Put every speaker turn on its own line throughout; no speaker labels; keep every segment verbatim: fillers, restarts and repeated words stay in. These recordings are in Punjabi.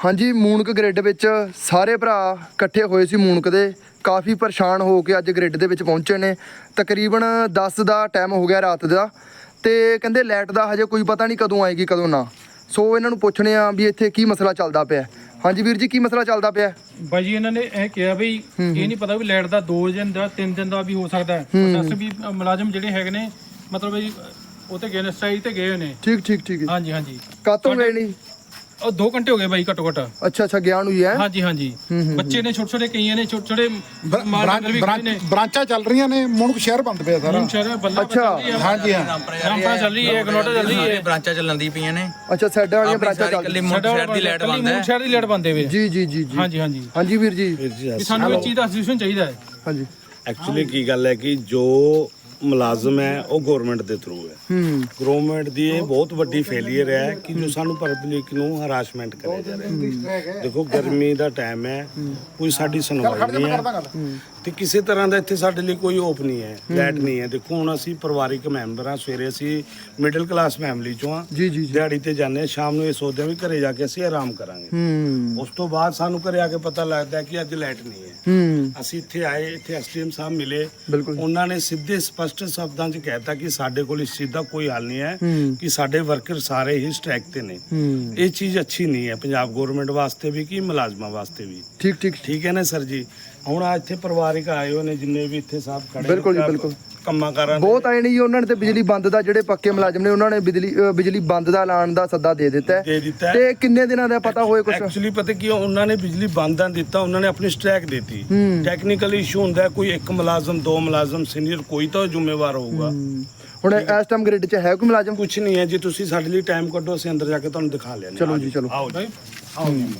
हाँ जी मूनक ग्रिड विच सारे भरा इकट्ठे होए सी मूनक दे काफ़ी परेशान हो के अज ग्रिड दे विच पहुंचे ने। तकरीबन दस का टाइम हो गया रात का ते कहंदे लाइट का हजे कोई पता नहीं कदों आएगी कदों ना। सो इन्हां नूं पुछने आ भी इत्थे की मसला चलदा पिया। हाँ जी वीर जी की मसला चलदा पिया?
भाई जी इन्होंने यह कहा भी ये नहीं पता भी लाइट का दो दिन का तीन दिन का भी हो सकता है। दस भी मुलाजम ਜਿਹੜੇ ਹੈਗੇ ਨੇ मतलब भी ਉਹ ਤੇ ਗਏ ਨੇ ਸਟ੍ਰਾਈਕ ਤੇ ਗਏ ਹੋਏ ਨੇ।
ठीक ठीक ठीक
हाँ जी हाँ जी
ਕਾਤੋਂ ਗਏ ਨਹੀਂ?
और दो घंटे हो गए भाई घट्टो घट।
अच्छा अच्छा ज्ञान हुई है।
हाँ जी हाँ जी बच्चे ने छोटे छोटे कई ने छोटे छोटे
ब्रांचा चल रही ने मुणक शहर बंद पे सारा।
अच्छा
हाँ जी हाँ
रामपुरा चल रही है गनोटा चल रही है
ब्रांचा ਚੱਲਣ ਦੀ ਪਈਆਂ ਨੇ।
अच्छा साइड वाली ब्रांचा चल
ਕੱਲੀ ਮੁੰਡ ਸ਼ਹਿਰ ਦੀ ਲਾਈਟ ਬੰਦ ਹੈ।
शहर ਦੀ ਲਾਈਟ ਬੰਦ ਹੈ
जी जी जी जी
हाँ जी हाँ जी
हाँ जी वीर जी
ਕਿ ਸਾਨੂੰ ਇਹ ਚੀਜ਼ ਦਾ ਸੋਲੂਸ਼ਨ ਚਾਹੀਦਾ ਹੈ।
हाँ जी
ਐਕਚੁਅਲੀ ਕੀ ਗੱਲ ਹੈ ਕਿ ਜੋ ਮੁਲਾਜ਼ਮ ਹੈ ਉਹ ਗਵਰਨਮੈਂਟ ਦੇ ਥਰੂ ਹੈ।
ਹੂੰ
ਗਵਰਨਮੈਂਟ ਦੀ ਇਹ ਬਹੁਤ ਵੱਡੀ ਫੇਲੀਅਰ ਹੈ ਕਿ ਜੋ ਸਾਨੂੰ ਪਬਲਿਕ ਨੂੰ ਹਰਾਸਮੈਂਟ ਕਰਿਆ ਜਾ ਰਿਹਾ ਹੈ। ਦੇਖੋ ਗਰਮੀ ਦਾ ਟਾਈਮ ਹੈ, ਕੋਈ ਸਾਡੀ ਸੁਣਵਾਈ ਨਹੀਂ ਹੈ ਤੇ ਕਿਸੇ ਤਰ੍ਹਾਂ ਦਾ ਇੱਥੇ ਸਾਡੇ ਲਈ ਕੋਈ ਹੋਪ ਨਹੀਂ ਹੈ, ਲਾਈਟ ਨਹੀਂ ਹੈ। ਦੇਖੋ ਹੁਣ ਅਸੀਂ ਪਰਿਵਾਰਿਕ ਮੈਂਬਰ ਹਾਂ, ਸਵੇਰੇ ਅਸੀਂ ਮਿਡਲ ਕਲਾਸ ਫੈਮਿਲੀ ਚੋਂ ਹਾਂ,
ਜੀ ਜੀ ਜੀ
ਦਿਹਾੜੀ ਤੇ ਜਾਂਦੇ ਹਾਂ, ਸ਼ਾਮ ਨੂੰ ਇਹ ਸੋਚਦੇ ਹਾਂ ਵੀ ਘਰੇ ਜਾ ਕੇ ਅਸੀਂ ਆਰਾਮ ਕਰਾਂਗੇ।
ਹੂੰ
ਉਸ ਤੋਂ ਬਾਅਦ ਸਾਨੂੰ ਘਰੇ ਆ ਕੇ ਪਤਾ ਲੱਗਦਾ ਹੈ ਕਿ ਅੱਜ ਲਾਈਟ ਨਹੀਂ ਹੈ।
ਹੂੰ
ਅਸੀਂ ਇੱਥੇ ਆਏ, ਇੱਥੇ ਐਸਡੀਐਮ ਸਾਹਿਬ ਮਿਲੇ,
ਬਿਲਕੁਲ
ਉਹਨਾਂ ਨੇ ਸਿੱਧੇ ਸਪਸ਼ਟ ਸ਼ਬਦਾਂ 'ਚ ਕਹਿਤਾ ਕਿ ਸਾਡੇ ਕੋਲ ਇਸ ਚੀਜ਼ ਦਾ ਕੋਈ ਹੱਲ ਨਹੀਂ ਹੈ,
ਹੂੰ
ਕਿ ਸਾਡੇ ਵਰਕਰ ਸਾਰੇ ਹੀ ਸਟ੍ਰਾਈਕ ਤੇ ਨੇ।
ਹੂੰ
ਇਹ ਚੀਜ਼ ਅੱਛੀ ਨਹੀਂ ਹੈ ਪੰਜਾਬ ਗਵਰਨਮੈਂਟ ਵਾਸਤੇ ਵੀ ਕਿ ਮੁਲਾਜ਼ਮਾਂ ਵਾਸਤੇ ਵੀ।
ਠੀਕ ਠੀਕ
ਠੀਕ ਹੈ ਨਾ ਸਰ ਜੀ? ਹੁਣ ਆ ਇੱਥੇ ਪਰਿਵਾਰਿਕ ਆਏ ਹੋਏ ਨੇ ਜਿੰਨੇ ਵੀ ਇੱਥੇ ਸਾਹਿਬ ਖੜੇ ਨੇ,
ਬਿਲਕੁਲ ਜੀ, ਬਿਲਕੁਲ।
ਕੰਮਾਂ ਕਾਰਾਂ ਦੇ
ਬਹੁਤ ਆਏ ਨੇ ਜੀ, ਉਹਨਾਂ ਨੇ ਤੇ ਬਿਜਲੀ ਬੰਦ ਦਾ ਜਿਹੜੇ ਪੱਕੇ ਮੁਲਾਜ਼ਮ ਨੇ ਉਹਨਾਂ ਨੇ ਬਿਜਲੀ ਅ, ਬਿਜਲੀ ਬੰਦ ਦਾ ਐਲਾਨ ਦਾ ਸੱਦਾ ਦੇ ਦਿੱਤਾ ਹੈ।
ਦੇ ਦਿੱਤਾ ਹੈ।
ਤੇ ਕਿੰਨੇ ਦਿਨਾਂ ਦਾ ਪਤਾ ਹੋਏ ਕੁਝ?
ਐਕਚੁਅਲੀ ਪਤਾ ਕੀ ਹੈ, ਉਹਨਾਂ ਨੇ ਬਿਜਲੀ ਬੰਦ ਨਾ ਦਿੱਤਾ, ਉਹਨਾਂ ਨੇ ਆਪਣੀ ਸਟ੍ਰਾਈਕ ਦਿੱਤੀ।
ਹੂੰ।
ਟੈਕਨੀਕਲ ਇਸ਼ੂ ਹੁੰਦਾ ਹੈ, ਕੋਈ ਇੱਕ ਮੁਲਾਜ਼ਮ ਦੋ ਮੁਲਾਜ਼ਮ ਸੀਨੀਅਰ ਕੋਈ ਤਾਂ ਜ਼ਿੰਮੇਵਾਰ ਹੋਊਗਾ।
ਹੁਣ ਇਸ ਟਾਈਮ ਗ੍ਰਿਡ 'ਚ ਹੈ ਕੋਈ ਮੁਲਾਜ਼ਮ?
ਕੁਝ ਨਹੀਂ ਹੈ ਜੀ, ਤੁਸੀਂ ਸਾਡੇ ਲਈ ਟਾਈਮ ਕੱਢੋ, ਅਸੀਂ ਅੰਦਰ ਜਾ ਕੇ ਤੁਹਾਨੂੰ ਦਿਖਾ ਲਿਆ।
ਚਲੋ ਜੀ ਚਲੋ।
ਆਓ ਜੀ ਆਓ ਜੀ।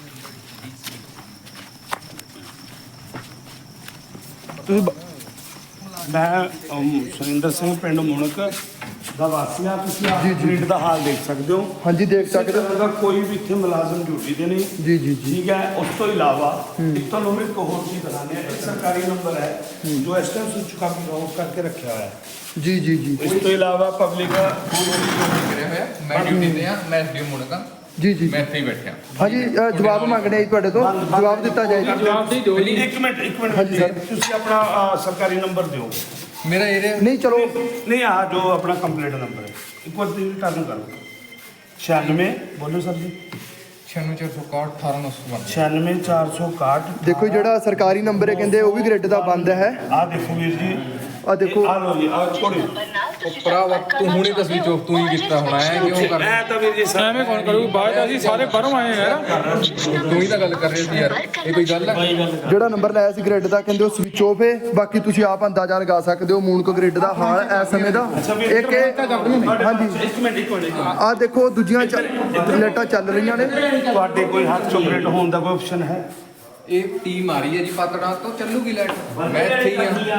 ਤੁਸੀਂ ਬ- ਮੈਂ ਅਮ, ਸੁਰਿੰਦਰ ਸਿੰਘ ਪਿੰਡ ਮੁਣਕ ਦਾ ਵਾਸੀ ਹਾਂ। ਤੁਸੀਂ ਆਹ ਗ੍ਰਿਡ ਦਾ ਹਾਲ ਦੇਖ ਸਕਦੇ ਹੋ।
ਹਾਂਜੀ ਦੇਖ ਸਕਦੇ ਹੋ।
ਕਿਸੇ ਤਰ੍ਹਾਂ ਦਾ ਕੋਈ ਵੀ ਇੱਥੇ ਮੁਲਾਜ਼ਮ ਡਿਊਟੀ ਤੇ ਨਹੀਂ।
ਜੀ ਜੀ ਜੀ
ਠੀਕ ਹੈ। ਉਸ ਤੋਂ ਇਲਾਵਾ ਇੱਕ ਤੁਹਾਨੂੰ ਮੈਂ ਇੱਕ ਹੋਰ ਚੀਜ਼ ਦਿਖਾਉਂਦੇ ਹਾਂ। ਇੱਕ ਸਰਕਾਰੀ ਨੰਬਰ ਹੈ ਜੋ ਇਸ ਟਾਈਮ ਸਵਿਚ ਕਾਫੀ ਆਫ ਕਰਕੇ ਰੱਖਿਆ ਹੋਇਆ ਹੈ।
ਜੀ ਜੀ ਜੀ
ਇਸ ਤੋਂ ਇਲਾਵਾ ਪਬਲਿਕ
ਕਰਿਆ ਹੋਇਆ ਮੈਂ ਡਿਊਟੀ ਤੇ ਆ ਮੈਂ ਐਸਡੀਓ ਮੁੰਡਾ
ਜੀ ਜੀ
ਮੈਂ ਇੱਥੇ ਹੀ ਬੈਠਿਆ।
ਹਾਂਜੀ ਅ, ਜਵਾਬ ਮੰਗਣੇ ਆ ਜੀ ਤੁਹਾਡੇ ਤੋਂ, ਜਵਾਬ ਦਿੱਤਾ ਜਾਏ ਜੀ।
ਜਵਾਬ ਦੇ ਦਿਓ ਜੀ।
ਇੱਕ ਮਿੰਟ ਇੱਕ ਮਿੰਟ
ਹਾਂਜੀ ਸਰ।
ਤੁਸੀਂ ਆਪਣਾ ਅਹ, ਸਰਕਾਰੀ ਨੰਬਰ ਦਿਓ।
ਮੇਰਾ ਏਰੀਆ
ਨਹੀਂ ਚਲੋ
ਨਹੀਂ ਆ ਜੋ ਆਪਣਾ ਕੰਪਲੀਟ ਨੰਬਰ ਹੈ ਇੱਕ ਵਾਰ ਤੁਸੀਂ ਟਰਨ ਕਰੋ। ਛਿਆਨਵੇਂ ਬੋਲੋ ਸਰ ਜੀ।
ਛਿਆਨਵੇਂ ਚਾਰ ਸੌ ਇਕਾਹਠ ਅਠਾਰਾਂ ਨੌ ਸੌ ਬਾਨਵੇਂ।
ਛਿਆਨਵੇਂ ਚਾਰ ਸੌ ਇਕਾਹਠ।
ਦੇਖੋ ਜਿਹੜਾ ਸਰਕਾਰੀ ਨੰਬਰ ਹੈ ਕਹਿੰਦੇ ਉਹ ਵੀ ਗ੍ਰਿਡ ਦਾ ਬੰਦ ਹੈ।
ਆ ਦੇਖੋ ਵੀਰ ਜੀ,
ਆ ਦੇਖੋ
ਆ ਲਓ ਜੀ, ਆ ਛੋੜੀ
ਭਰਾਵਾ ਤੂੰ ਹੁਣੇ ਤਸਵੀਰ ਚੋਕ ਤੂੰ ਹੀ ਕੀਤਾ ਹੋਣਾ ਹੈ ਕਿਉਂ ਕਰ
ਐ ਤਾਂ ਵੀਰ ਜੀ ਸਰ
ਐਵੇਂ ਕੌਣ ਕਰੂਗਾ? ਬਾਅਦ ਅਸੀਂ ਸਾਰੇ ਬਾਹਰੋਂ ਆਏ ਆ ਯਾਰ।
ਤੂੰ ਹੀ ਤਾਂ ਗੱਲ ਕਰ ਰਿਹਾ ਸੀ ਯਾਰ ਇਹ ਕੋਈ ਗੱਲ ਹੈ?
ਜਿਹੜਾ ਨੰਬਰ ਲਾਇਆ ਸੀ ਗ੍ਰਿਡ ਦਾ ਕਹਿੰਦੇ ਉਹ ਸਵਿਚ ਆਫ ਹੈ। ਬਾਕੀ ਤੁਸੀਂ ਆਪ ਅੰਦਾਜ਼ਾ ਲਗਾ ਸਕਦੇ ਹੋ ਮੂਨਕ ਗ੍ਰਿਡ ਦਾ ਹਾਲ ਇਸ ਸਮੇਂ ਦਾ। ਇੱਕ ਇਹ- ਹਾਂਜੀ
ਇੱਕ ਮਿੰਟ ਇੱਕ ਮਿੰਟ
ਆ ਦੇਖੋ ਦੂਜੀਆਂ ਚ- ਲਾਈਟਾਂ ਚੱਲ ਰਹੀਆਂ ਨੇ।
ਤੁਹਾਡੇ ਕੋਈ ਹੱਥ ਚੋਪਰੇਟ ਹੋਣ ਦਾ ਕੋਈ ਆਪਸ਼ਨ ਹੈ?
ਇਹ ਟੀਮ ਆ ਰਹੀ ਹੈ ਜੀ ਪਾਤੜਾ ਤੋਂ ਚੱਲੂਗੀ ਲਾਈਟ। ਮੈਂ ਇੱਥੇ ਹੀ ਆ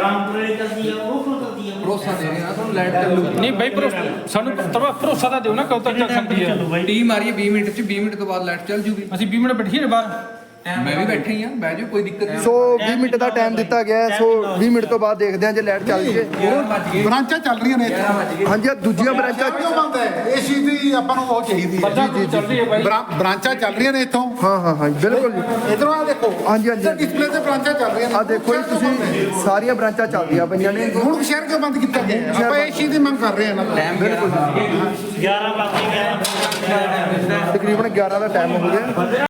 ਭਰੋਸਾ ਦੇ ਰਿਹਾ ਤੁਹਾਨੂੰ ਲਾਈਟ ਚੱਲੂਗੀ।
ਨਹੀਂ ਬਾਈ ਭਰੋਸਾ ਸਾਨੂੰ ਤਵਾ ਭਰੋਸਾ ਤਾਂ ਦਿਓ ਨਾ ਕਦੋਂ ਤੱਕ ਚੱਲ ਸਕਦੀ ਹੈ।
ਟੀਮ ਆ ਰਹੀ ਹੈ ਵੀਹ ਮਿੰਟ ਚ ਵੀਹ ਮਿੰਟ ਤੋਂ ਬਾਅਦ ਲਾਈਟ ਚੱਲ ਜੂਗੀ।
ਅਸੀਂ ਵੀਹ ਮਿੰਟ ਬੈਠੀਏ ਬਾਹਰ।
ਮੈਂ ਵੀ ਬੈਠੇ ਹੀ ਆ ਬਹਿ ਜਾਓ ਕੋਈ ਦਿੱਕਤ ਨਹੀਂ।
ਸੋ ਵੀਹ ਮਿੰਟ ਦਾ ਟਾਈਮ ਦਿੱਤਾ ਗਿਆ ਹੈ। ਸੋ ਵੀਹ ਮਿੰਟ ਤੋਂ ਬਾਅਦ ਦੇਖਦੇ ਹਾਂ ਜੇ ਲਾਈਟ ਚੱਲ ਜੇ।
ਗਿਆਰਾਂ ਵੱਜ ਗਏ
ਬ੍ਰਾਂਚਾਂ ਚੱਲ ਰਹੀਆਂ ਨੇ ਇੱਥੇ।
ਗਿਆਰਾਂ ਵੱਜ ਗਏ।
ਹਾਂਜੀ ਆਹ ਦੂਜੀਆਂ ਬ੍ਰਾਂਚਾਂ
ਕਿਉਂ ਬੰਦ ਹੈ? ਇਸ ਚੀਜ਼ ਦੀ ਆਪਾਂ ਨੂੰ ਉਹ ਚਾਹੀਦੀ ਹੈ।
ਬੱਚਾ ਚੱਲ ਰਹੀ ਹੈ ਬਾਈ।
ਬ੍ਰਾਂ- ਬ੍ਰਾਂਚਾਂ ਚੱਲ ਰਹੀਆਂ ਨੇ ਇੱਥੋਂ।
ਹਾਂ ਹਾਂ ਹਾਂ ਬਿਲਕੁਲ ਜੀ।
ਇਧਰੋਂ ਆ ਦੇਖੋ।
ਹਾਂਜੀ, ਹਾਂਜੀ।
ਇੱਧਰ ਡਿਸਪਲੇ ਤੇ ਬ੍ਰਾਂਚਾਂ ਚੱਲ ਰਹੀਆਂ ਨੇ।
ਆ ਦੇਖੋ ਜੀ ਤੁਸੀਂ ਸਾਰੀਆਂ ਬ੍ਰਾਂਚਾਂ ਚੱਲਦੀਆਂ ਪਈਆਂ ਨੇ।
ਮੁਣਕ ਸ਼ਹਿਰ ਕਿਉਂ ਬੰਦ ਕੀਤਾ ਗਿਆ? ਆਪਾਂ ਇਸ ਚੀਜ਼ ਦੀ ਮੰਗ ਕਰ ਰਹੇ ਹਾਂ ਨਾ।
ਬਿਲਕੁਲ ਤਕਰੀਬਨ ਗਿਆਰਾਂ ਦਾ ਟਾਈਮ ਹੋ ਗਿਆ।